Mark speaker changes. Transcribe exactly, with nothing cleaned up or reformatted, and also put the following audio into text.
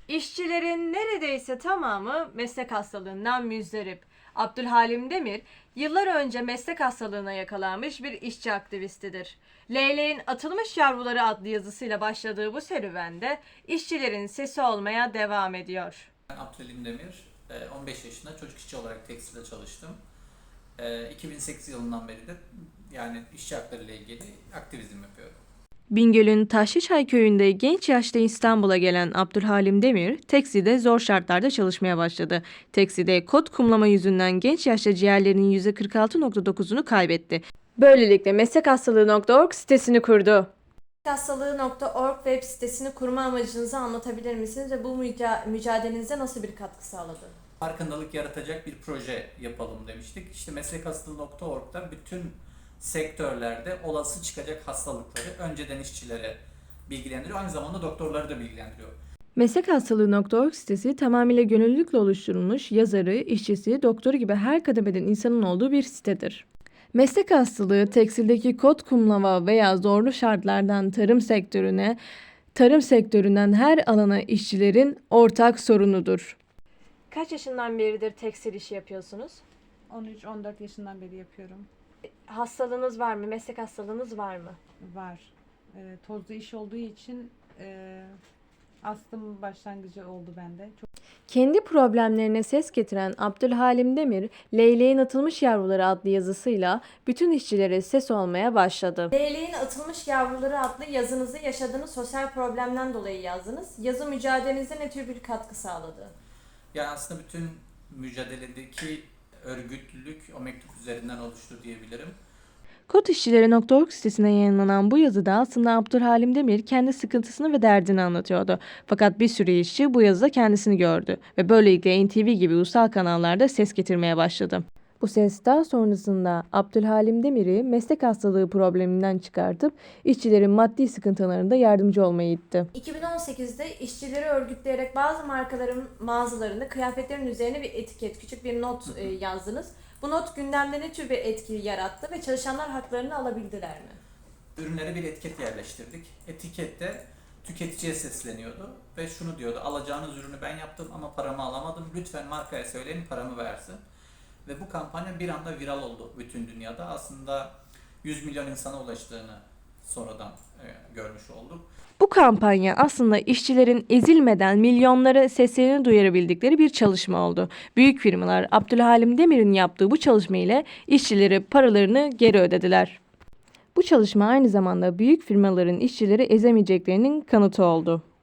Speaker 1: İşçilerin neredeyse tamamı meslek hastalığından müzdarip. Abdülhalim Demir, yıllar önce meslek hastalığına yakalanmış bir işçi aktivistidir. Leyleğin Atılmış Yavruları adlı yazısıyla başladığı bu serüvende işçilerin sesi olmaya devam ediyor.
Speaker 2: Ben Abdülhalim Demir, on beş yaşında çocuk işçi olarak tekstilde çalıştım. iki bin sekiz yılından beri de yani işçi hakları ile ilgili aktivizm yapıyorum.
Speaker 1: Bingöl'ün Taşlıçay köyünde genç yaşta İstanbul'a gelen Abdülhalim Demir, Teksi'de zor şartlarda çalışmaya başladı. Teksi'de kot kumlama yüzünden genç yaşta ciğerlerinin yüzde kırk altı nokta dokuzunu kaybetti. Böylelikle meslekhastalığı nokta org sitesini kurdu. meslekhastalığı nokta org web sitesini kurma amacınızı anlatabilir misiniz ve bu müca- mücadelenize nasıl bir katkı sağladı?
Speaker 2: Farkındalık yaratacak bir proje yapalım demiştik. İşte meslekhastalığı nokta org'da bütün sektörlerde olası çıkacak hastalıkları önceden işçilere bilgilendiriyor. Aynı zamanda doktorları da bilgilendiriyor.
Speaker 1: meslekhastalığı nokta org sitesi tamamıyla gönüllülükle oluşturulmuş, yazarı, işçisi, doktoru gibi her kademeden insanın olduğu bir sitedir. Meslek hastalığı tekstildeki kot kumlama veya zorlu şartlardan tarım sektörüne, tarım sektöründen her alana işçilerin ortak sorunudur. Kaç yaşından beridir tekstil işi yapıyorsunuz?
Speaker 3: on üç on dört yaşından beri yapıyorum.
Speaker 1: Hastalığınız var mı? Meslek hastalığınız var mı?
Speaker 3: Var. E, tozlu iş olduğu için e, astım başlangıcı oldu bende. Çok
Speaker 1: Kendi problemlerine ses getiren Abdülhalim Demir, Leyleğin Atılmış Yavruları adlı yazısıyla bütün işçilere ses olmaya başladı. Leyleğin Atılmış Yavruları adlı yazınızı yaşadığınız sosyal problemden dolayı yazdınız. Yazı mücadelenize ne tür bir katkı sağladı?
Speaker 2: Yani aslında bütün mücadeledeki örgütlülük o mektup üzerinden oluştu diyebilirim.
Speaker 1: Kotişçileri nokta org sitesine yayınlanan bu yazıda aslında Abdülhalim Demir kendi sıkıntısını ve derdini anlatıyordu. Fakat bir sürü işçi bu yazıda kendisini gördü ve böylelikle N T V gibi ulusal kanallarda ses getirmeye başladı. Bu ses daha sonrasında Abdülhalim Demir'i meslek hastalığı probleminden çıkartıp işçilerin maddi sıkıntılarında yardımcı olmayı itti. iki bin on sekizde işçileri örgütleyerek bazı markaların mağazalarında kıyafetlerin üzerine bir etiket, küçük bir not e, yazdınız. Bu not gündemde ne tür bir etki yarattı ve çalışanlar haklarını alabildiler mi?
Speaker 2: Ürünlere bir etiket yerleştirdik. Etikette tüketiciye sesleniyordu ve şunu diyordu: alacağınız ürünü ben yaptım ama paramı alamadım. Lütfen markaya söyleyin, paramı versin. Ve bu kampanya bir anda viral oldu bütün dünyada. Aslında yüz milyon insana ulaştığını sonradan e, görmüş olduk.
Speaker 1: Bu kampanya aslında işçilerin ezilmeden milyonlara seslerini duyurabildikleri bir çalışma oldu. Büyük firmalar Abdülhalim Demir'in yaptığı bu çalışma ile işçilere paralarını geri ödediler. Bu çalışma aynı zamanda büyük firmaların işçileri ezemeyeceklerinin kanıtı oldu.